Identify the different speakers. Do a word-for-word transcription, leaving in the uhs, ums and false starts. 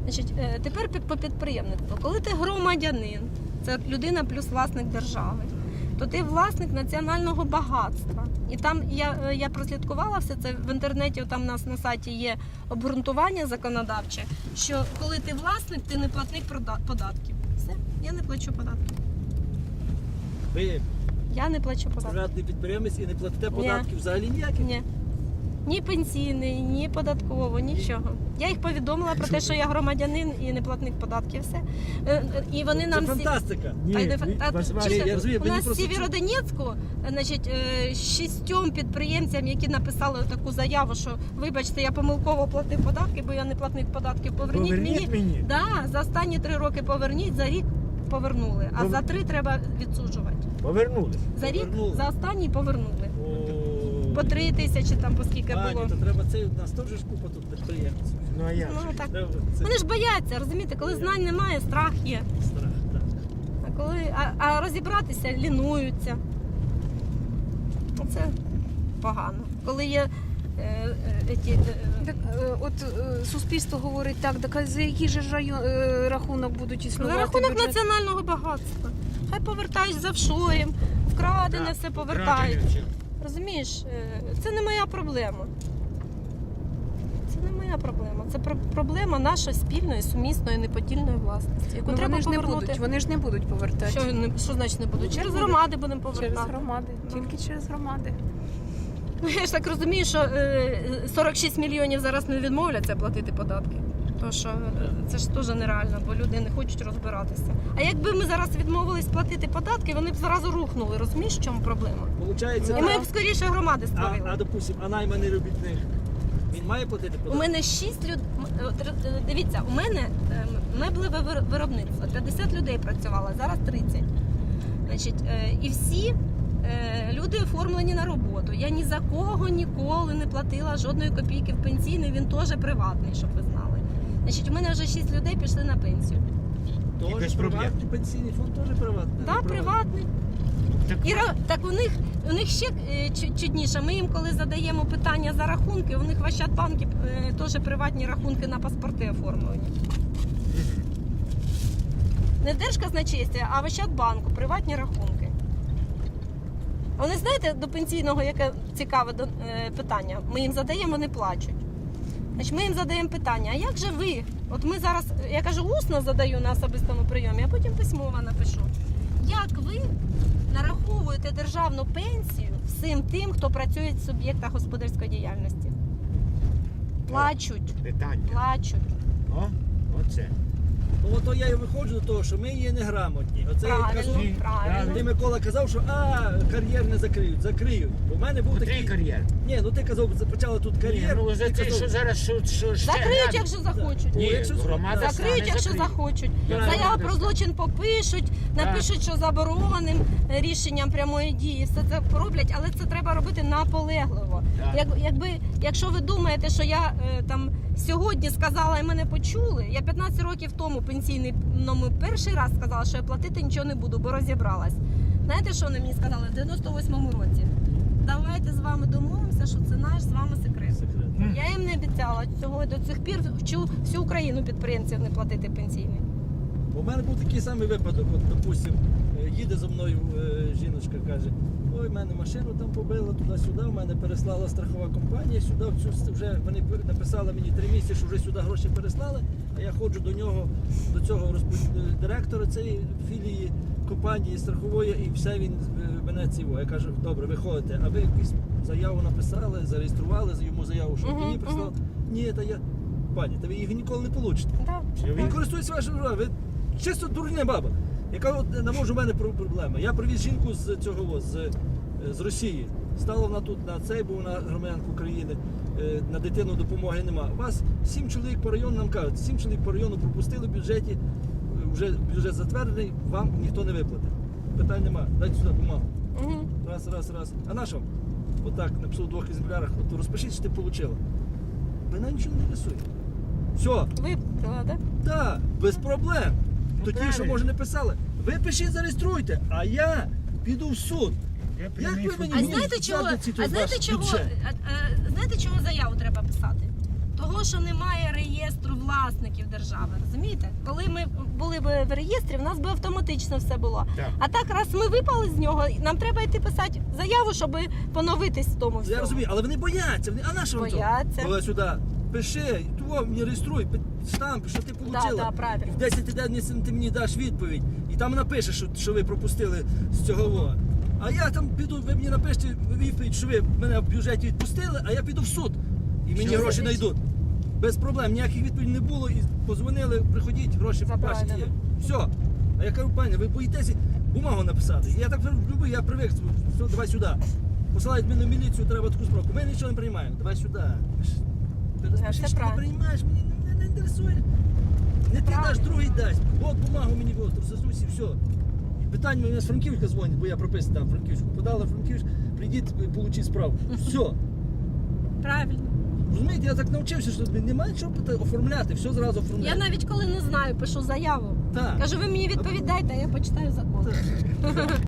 Speaker 1: Значить, е, тепер під, по підприємництву. Коли ти громадянин, це людина плюс власник держави, то ти власник національного багатства. І там я, я прослідкувала все це в інтернеті, там у нас на сайті є обґрунтування законодавче, що коли ти власник, ти не платник податків. Все, я не плачу податки.
Speaker 2: Ви
Speaker 1: Я не плачу податки.
Speaker 2: приватний підприємець і не платите податків взагалі ніяких?
Speaker 1: Ні. Ні пенсійний, ні податково, нічого. Я їх повідомила про те, що я громадянин і не платник податків, все. Е, е, І вони нам
Speaker 2: Це
Speaker 1: всі...
Speaker 2: фантастика.
Speaker 1: Та й не
Speaker 2: Ні,
Speaker 1: фа-
Speaker 2: ви-
Speaker 1: та-
Speaker 2: ваш-
Speaker 1: чуєте,
Speaker 2: я розумію,
Speaker 1: у
Speaker 2: мені
Speaker 1: нас в
Speaker 2: просто-
Speaker 1: Сєвєродонецьку, значить, е, шістьом підприємцям, які написали таку заяву, що вибачте, я помилково платив податки, бо я не платник податків, поверніть,
Speaker 3: Поверніть
Speaker 1: мені.
Speaker 3: мені.
Speaker 1: Да, за останні три роки поверніть, за рік повернули, а
Speaker 3: Пов-
Speaker 1: за три треба відсуджувати.
Speaker 3: Повернулись.
Speaker 1: За рік,
Speaker 2: Повернули.
Speaker 1: за останній повернули.
Speaker 2: О,
Speaker 1: По три тисячі там, по скільки було.
Speaker 2: Пані, то треба це, у нас теж ж купа тут підприємців.
Speaker 3: Ну а як?
Speaker 1: Ну,
Speaker 3: же?
Speaker 1: так.
Speaker 2: Треба це
Speaker 1: Вони ж бояться, розумієте, коли знань немає, страх є.
Speaker 2: страх, так.
Speaker 1: А коли а, а розібратися лінуються. Це погано. Коли є е, е, ті, е,
Speaker 4: Так, е, от е, суспільство говорить так, так а за який же ж район, е, рахунок будуть
Speaker 1: за
Speaker 4: існувати?
Speaker 1: рахунок
Speaker 4: бюджет?
Speaker 1: національного багатства. Хай повертають за вшоєм, вкрадене все повертають. Розумієш, е, це не моя проблема. Це не моя проблема. Це про- проблема нашої спільної, сумісної, неподільної власності, яку
Speaker 4: Ну,
Speaker 1: треба
Speaker 4: вони ж не
Speaker 1: повернути.
Speaker 4: будуть, вони ж не будуть повертати.
Speaker 1: Що, не- що значить не будуть? Через громади будемо повертати.
Speaker 4: Через громади,
Speaker 1: Ну.
Speaker 4: тільки через громади.
Speaker 1: Ну, я ж так розумію, що е, сорок шість мільйонів зараз не відмовляться платити податки. То що е, це ж теж нереально, бо люди не хочуть розбиратися. А якби ми зараз відмовились платити податки, вони б зразу рухнули. Розумієш, в чому проблема?
Speaker 2: Получається,
Speaker 1: І ми б скоріше громади
Speaker 2: а,
Speaker 1: створили.
Speaker 2: а допустим, а найманий робітник, він має платити
Speaker 1: У
Speaker 2: податки?
Speaker 1: мене шість людей. Дивіться, у мене е, меблеве вир- виробництво. п'ятдесят людей працювало, зараз тридцять. Значить, е, і всі е, люди оформлені на роботу. Я ні за кого ніколи не платила жодної копійки в пенсійний, він теж приватний, щоб ви знали. Значить, у мене вже шість людей пішли на пенсію.
Speaker 2: Тож
Speaker 3: без проблем.
Speaker 2: приватний пенсійний фонд теж приватний.
Speaker 1: Так, да, приватний.
Speaker 3: Так,
Speaker 1: І ра- так у них у них ще е, чу- чудніше. Ми їм, коли задаємо питання за рахунки, у них в Ощадбанкі е, теж приватні рахунки на паспорти оформлені. Не в Держказначействі, а в Ощадбанку приватні рахунки. А вони знаєте, до пенсійного яке цікаве до- е, питання? Ми їм задаємо, вони плачуть. Значить, ми їм задаємо питання, а як же ви? От ми зараз, я кажу, усно задаю на особистому прийомі, а потім письмово напишу. Як ви нараховуєте державну пенсію всім тим, хто працює в суб'єктах господарської діяльності? Плачуть,
Speaker 3: питання.
Speaker 1: плачуть.
Speaker 3: О, оце.
Speaker 2: Ну ото я і виходжу до того, що ми є неграмотні. Оце я кажу,
Speaker 1: Правильно,
Speaker 3: Ні,
Speaker 1: правильно.
Speaker 2: ти, Микола, казав, що а, кар'єр не закриють. Закриють. Бо в мене був
Speaker 3: Котрий
Speaker 2: такий...
Speaker 3: кар'єр?
Speaker 2: Ні, ну ти казав, почала тут
Speaker 3: Ні,
Speaker 2: кар'єр.
Speaker 3: ну за
Speaker 2: ти
Speaker 3: те,
Speaker 2: казав,
Speaker 3: що зараз що, що ще
Speaker 1: Закриють,
Speaker 3: грабить.
Speaker 1: якщо захочуть.
Speaker 3: Ні,
Speaker 2: якщо
Speaker 3: громада
Speaker 2: так.
Speaker 1: Закриють,
Speaker 3: стане,
Speaker 1: якщо
Speaker 3: закриє.
Speaker 1: захочуть.
Speaker 2: Так.
Speaker 1: Заяву про злочин попишуть, напишуть, що забороненим рішенням прямої дії. Все це роблять, але це треба робити наполегливо.
Speaker 3: Так.
Speaker 1: Як, якби, якщо ви думаєте, що я е, там сьогодні сказала і мене почули, я п'ятнадцять років тому пенсійному перший раз сказала, що я платити нічого не буду, бо розібралась. Знаєте, що вони мені сказали в дев'яносто восьмому році? Давайте з вами домовимося, що це наш з вами секрет.
Speaker 2: Секрет.
Speaker 3: М.
Speaker 1: Я їм не обіцяла цього, до цих пір вчу всю Україну підприємців не платити пенсійний.
Speaker 2: У мене був такий самий випадок, от, допустим, е, їде за мною е, жіночка, каже, ой, в мене машину там побила туди-сюди, в мене переслала страхова компанія, сюди в цю, вже вони пер- написали мені три місяці, що вже сюди гроші переслали, а я ходжу до нього, до цього розпо- директора цієї філії компанії страхової, і все він е, мене ціво. Я кажу, добре, виходите, а ви якусь заяву написали, зареєстрували йому заяву, що
Speaker 1: Мгм,
Speaker 2: мені прислали. Ні, та я, пані, та ви їх ніколи не получите.
Speaker 1: Да.
Speaker 2: Він користується вашим правом. Ви чисто дурня баба. Яка от не може в мене про- проблема. Я привіз жінку з цього з, з Росії. Стала вона тут на цей, бо вона громадянка України. Е, На дитину допомоги нема. У вас сім чоловік по району нам кажуть, сім чоловік по району пропустили в бюджеті, е, вже бюджет затверджений, вам ніхто не виплатить. Питань нема. Дайте сюди бумагу.
Speaker 1: Мгм.
Speaker 2: Раз, раз, раз. А на що? Отак написав в двох екземплярах, от розпишіть, що ти отримала. Вона нічого не рисує. Все.
Speaker 1: Виплатила, так?
Speaker 2: Так, без проблем.
Speaker 3: Ну,
Speaker 2: То ті, що
Speaker 3: правильно.
Speaker 2: може не писали, ви пишіть, зареєструйте, а я піду в суд.
Speaker 3: Я
Speaker 2: Як
Speaker 3: прямий
Speaker 2: ви мені
Speaker 1: А
Speaker 2: Мені
Speaker 1: знаєте чого?
Speaker 2: задниці тут
Speaker 1: А знаєте
Speaker 2: ваш
Speaker 1: чого?
Speaker 2: бюджет.
Speaker 1: а- а, знаєте чого заяву треба писати? Того, Того, що немає реєстру власників держави, розумієте? Коли ми були б в реєстрі, в нас би автоматично все було.
Speaker 3: Так.
Speaker 1: А так, раз ми випали з нього, нам треба йти писати заяву, щоб поновитись в тому всьому.
Speaker 2: Я розумію, але вони бояться. Вони, а на що вам то?
Speaker 1: Бояться.
Speaker 2: Коли сюди, пиши, того мені реєструй, пи- штамп, що ти
Speaker 1: Да,
Speaker 2: отримала.
Speaker 1: да, правильно.
Speaker 2: В десять день ти мені даш відповідь. І там напишеш, що, що ви пропустили з цього. во. А я там піду, ви мені напишете відповідь, що ви мене в бюджеті відпустили, а я піду в суд. І мені
Speaker 1: Що
Speaker 2: гроші
Speaker 1: за річ?
Speaker 2: знайдуть. Без проблем, ніяких відповідей не було, і позвонили, приходіть, гроші
Speaker 1: Це
Speaker 2: ваші є.
Speaker 1: правильно.
Speaker 2: Все. А я кажу, пані, ви боїтеся бумагу написати. Я так люблю, я привик, все, давай сюди. Посилають мене в міліцію, треба таку справку. Ми нічого не приймаємо, давай сюди. Ти розпиши,
Speaker 1: все
Speaker 2: що ти
Speaker 1: правильно.
Speaker 2: приймаєш, мені не, не інтересує. Не ти
Speaker 1: Правильно.
Speaker 2: даш, другий дасть. От бумагу мені, от, розсосусь і все. І питання мені з Франківська дзвонять, бо я прописаний там в Франківську. Подали в Франківськ, прийдіть, получіть справку. Все.
Speaker 1: Правильно.
Speaker 2: Розумієте, я так навчився, що немає чого пита- оформляти, все зразу
Speaker 1: Я
Speaker 2: оформляти.
Speaker 1: навіть коли не знаю, пишу заяву.
Speaker 2: Так.
Speaker 1: Кажу, ви мені відповідайте, а я почитаю закон.
Speaker 2: Так.